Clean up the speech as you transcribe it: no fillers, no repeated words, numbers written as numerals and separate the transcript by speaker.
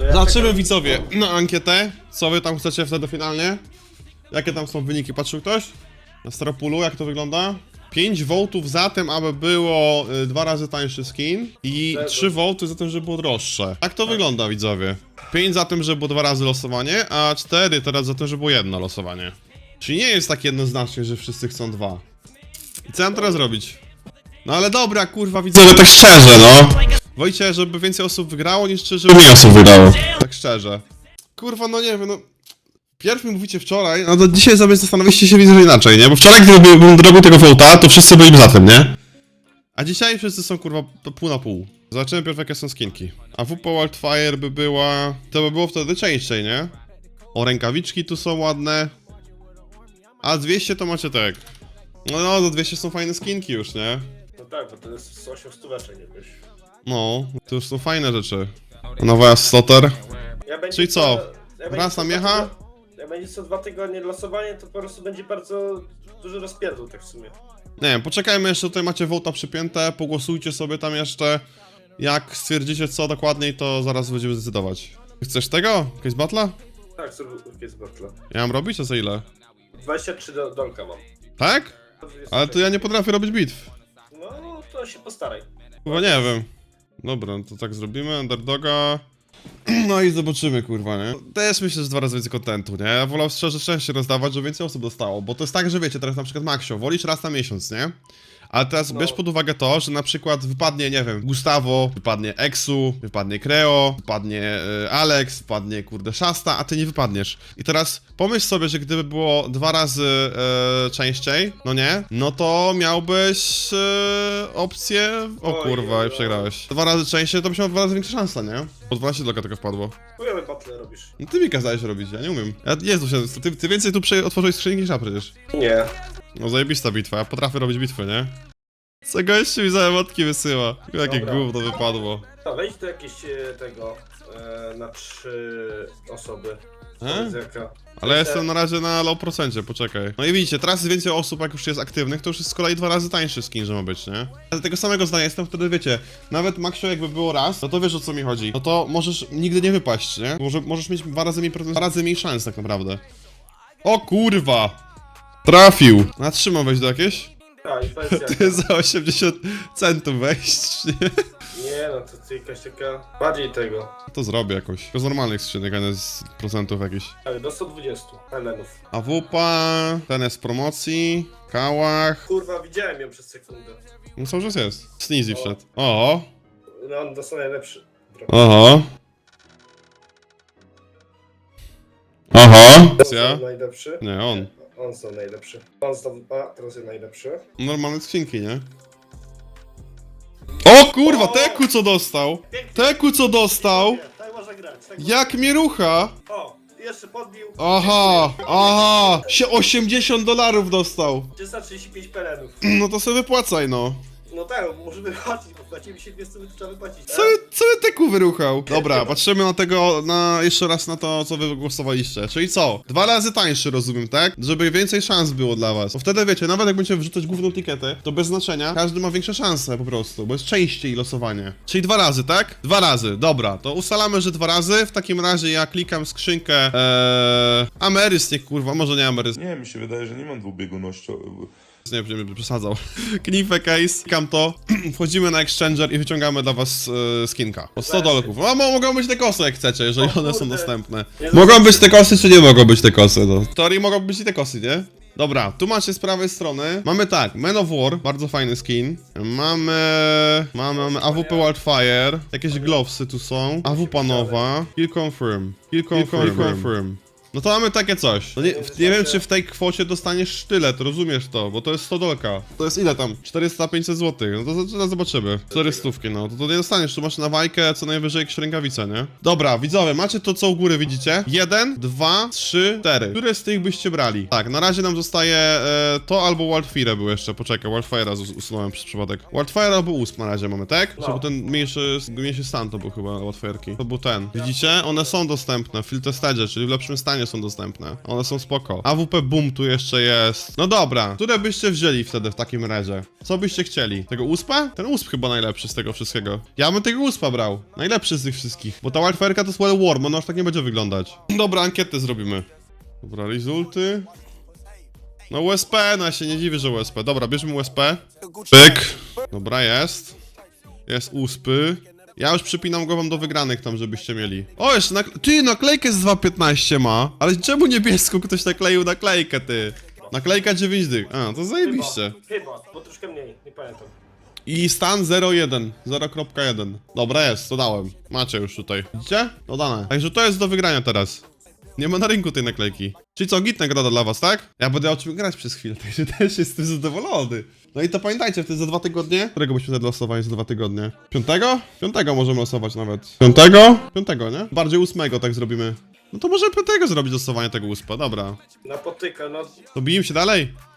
Speaker 1: Zobaczymy widzowie na ankietę, co wy tam chcecie wtedy finalnie. Jakie tam są wyniki, patrzył ktoś? Na Staropulu, jak to wygląda? 5 wołtów za tym, aby było 2 razy tańszy skin i 3 wołty za tym, żeby było droższe. Tak to wygląda widzowie. 5 za tym, żeby było 2 razy losowanie, a 4 teraz za tym, żeby było jedno losowanie. Czyli nie jest tak jednoznacznie, że wszyscy chcą 2. I co mam teraz robić? No ale dobra, kurwa widzowie, tak szczerze, no. Wojcie, żeby więcej osób wygrało, niż żeby mniej osób wygrało. Tak szczerze. Kurwa, no nie wiem, no. Pierw mi mówicie wczoraj, no to dzisiaj sobie zastanowiliście się, widzę, że inaczej, nie? Bo wczoraj, gdybym robił tego vote'a, to wszyscy byliby za tym, nie? A dzisiaj wszyscy są, kurwa, pół na pół. Zobaczymy pierw, jakie są skinki. A WP Wildfire by była... To by było wtedy częściej, nie? O, rękawiczki tu są ładne. A 200 to macie tak. No, do 200 są fajne skinki już, nie?
Speaker 2: No tak, bo to jest 8 stóweczek jakoś.
Speaker 1: No, to już są fajne rzeczy. Nowa Slotter. Czyli co?
Speaker 2: Jak
Speaker 1: Raz na miecha?
Speaker 2: Jak będzie co 2 tygodnie losowanie, to po prostu będzie bardzo duży rozpierdol tak w sumie.
Speaker 1: Nie wiem, poczekajmy jeszcze, tutaj macie vote'a przypięte, pogłosujcie sobie tam jeszcze. Jak stwierdzicie co dokładniej, to zaraz będziemy zdecydować. Chcesz tego? Jakieś battle'a?
Speaker 2: Tak, jest battle.
Speaker 1: Ja mam robić, a za ile?
Speaker 2: 23 dolka mam.
Speaker 1: Tak? Ale to ja nie potrafię robić bitw.
Speaker 2: No, to się postaraj.
Speaker 1: Chyba nie wiem. Dobra, to tak zrobimy, underdoga. No i zobaczymy, kurwa, nie? Też myślę, że 2 razy więcej kontentu, nie? Ja wolał szczerze częściej rozdawać, żeby więcej osób dostało, bo to jest tak, że wiecie, teraz na przykład Maxio, wolisz raz na miesiąc, nie? Ale teraz bierz pod uwagę to, że na przykład wypadnie, nie wiem, Gustavo, wypadnie Exu, wypadnie Creo, wypadnie Alex, wypadnie, kurde, Shasta, a ty nie wypadniesz. I teraz pomyśl sobie, że gdyby było 2 razy częściej, no nie? No to miałbyś opcję... O kurwa, i przegrałeś. 2 razy częściej, to byś miał 2 razy większa szansa, nie? Po 12 doka tego wpadło.
Speaker 2: Chujowe battle robisz.
Speaker 1: No ty mi kazałeś robić, ja nie umiem. Jezu, ty więcej tu otworzyłeś skrzynki niż ja przecież.
Speaker 2: Nie.
Speaker 1: No zajebista bitwa, ja potrafię robić bitwy, nie? Co gościu mi za emotki wysyła? Jakie
Speaker 2: Dobra.
Speaker 1: gówno wypadło.
Speaker 2: To wejdź do jakieś tego na 3 osoby.
Speaker 1: E?
Speaker 2: Jaka.
Speaker 1: Ale ja jestem na razie na low procencie, poczekaj. No i widzicie, teraz jest więcej osób, jak już jest aktywnych, to już jest z kolei 2 razy tańszy skin, że ma być, nie? Ale tego samego zdania jestem, wtedy wiecie, nawet Maxio jakby było raz, no to wiesz o co mi chodzi. No to możesz nigdy nie wypaść, nie? Możesz mieć 2 razy mniej szans tak naprawdę. O kurwa! Trafił! Natrzymał wejść do jakieś?
Speaker 2: Tak, i powiedz jaka.
Speaker 1: Ty za 80 centów wejść, nie?
Speaker 2: Nie no, to ty jakaś taka... Bardziej tego.
Speaker 1: To zrobię jakoś. To z normalnych skrzynek, a nie z procentów jakichś.
Speaker 2: Tak, do 120 helenów.
Speaker 1: AWP, ten jest z promocji, Kałach.
Speaker 2: Kurwa, widziałem ją przez sekundę.
Speaker 1: No cały czas jest. Sneezy wszedł. O!
Speaker 2: No, on dostał najlepszy.
Speaker 1: Oho. Oho.
Speaker 2: On
Speaker 1: Ja?
Speaker 2: są najlepszy.
Speaker 1: Nie, on.
Speaker 2: On są najlepszy. On zdobył, a teraz jest najlepszy.
Speaker 1: Normalne skrzynki, nie? O kurwa, Teku co dostał! Teku co dostał!
Speaker 2: Tak można grać. Tak
Speaker 1: Jak mnie rucha!
Speaker 2: O, jeszcze podbił.
Speaker 1: Aha, aha! Się $80 dostał!
Speaker 2: 335 pelenów.
Speaker 1: No to sobie wypłacaj, no.
Speaker 2: No tak, możemy płacić, bo płacimy się 200, to trzeba wypłacić.
Speaker 1: Co Teku wyruchał? Dobra, patrzymy na tego, jeszcze raz na to, co wy głosowaliście. Czyli co? 2 razy tańszy, rozumiem, tak? Żeby więcej szans było dla was. Bo wtedy wiecie, nawet jak będziecie wrzucać główną tiketę, to bez znaczenia, każdy ma większe szanse po prostu, bo jest częściej losowanie. Czyli 2 razy, tak? 2 razy, dobra. To ustalamy, że 2 razy. W takim razie ja klikam skrzynkę, Amerys, nie kurwa, może nie Amerys.
Speaker 3: Nie, mi się wydaje, że nie mam dwubiegunności.
Speaker 1: Nie będę przesadzał. Knifę case, klikam to, wchodzimy na Exchanger i wyciągamy dla was skinka. O 100 dolków. A mogą być te kosy jak chcecie, jeżeli one są dostępne. Mogą być te kosy, czy nie mogą być te kosy, no. W teorii mogą być i te kosy, nie? Dobra, tu macie z prawej strony. Mamy tak, Man of War, bardzo fajny skin. Mamy AWP Wildfire. Jakieś glowsy tu są. AWP nowa. Kill confirm. Kill confirm. No to mamy takie coś. No nie wiem, czy w tej kwocie dostaniesz sztylet, rozumiesz to, bo to jest 100 dolka. To jest ile tam? 400-500 zł. No to zaraz zobaczymy. 400, no to nie dostaniesz, tu masz na wajkę co najwyżej jakieś rękawice, nie? Dobra, widzowie, macie to co u góry widzicie? 1, 2, 3, 4. Które z tych byście brali? Tak, na razie nam zostaje to albo Wildfire był jeszcze, poczekaj, Wildfire'a usunąłem przez przypadek. Wildfire albo USP na razie mamy, tak?
Speaker 2: No.
Speaker 1: Żeby ten mniejszy stan to był chyba Wildfire'ki. To był ten. Widzicie? One są dostępne w Field Testage, czyli w lepszym stanie fajnie są dostępne. One są spoko. AWP Boom tu jeszcze jest. No dobra, które byście wzięli wtedy w takim razie? Co byście chcieli? Tego USPa? Ten USP chyba najlepszy z tego wszystkiego. Ja bym tego USPa brał. Najlepszy z tych wszystkich. Bo ta Wildfire'ka to jest Well Warm, ona już tak nie będzie wyglądać. Dobra, ankietę zrobimy. Dobra, rezulty. No USP, no ja się nie dziwię, że USP. Dobra, bierzmy USP. Pyk. Dobra, jest. Jest USPy. Ja już przypinam głową do wygranych tam, żebyście mieli. O, jeszcze ty, naklejkę z 2.15 ma. Ale czemu niebieską ktoś nakleił naklejkę, ty? Naklejka 9 dych. A, to zajebiście.
Speaker 2: Chyba, bo troszkę mniej, nie pamiętam.
Speaker 1: I stan 0.1. 0.1. Dobra, jest, dodałem. Macie już tutaj. Widzicie? Dodane. Także to jest do wygrania teraz. Nie ma na rynku tej naklejki. Czyli co, git nagroda dla was, tak? Ja będę o czym grać przez chwilę, także też jestem zadowolony. No i to pamiętajcie, wtedy za 2 tygodnie. Którego byśmy wtedy losowali za 2 tygodnie? 5? 5 możemy losować nawet. 5? 5, nie? Bardziej 8 tak zrobimy. No to może 5 zrobić losowanie tego USPa, dobra.
Speaker 2: Na potyka, no
Speaker 1: To bijmy się dalej.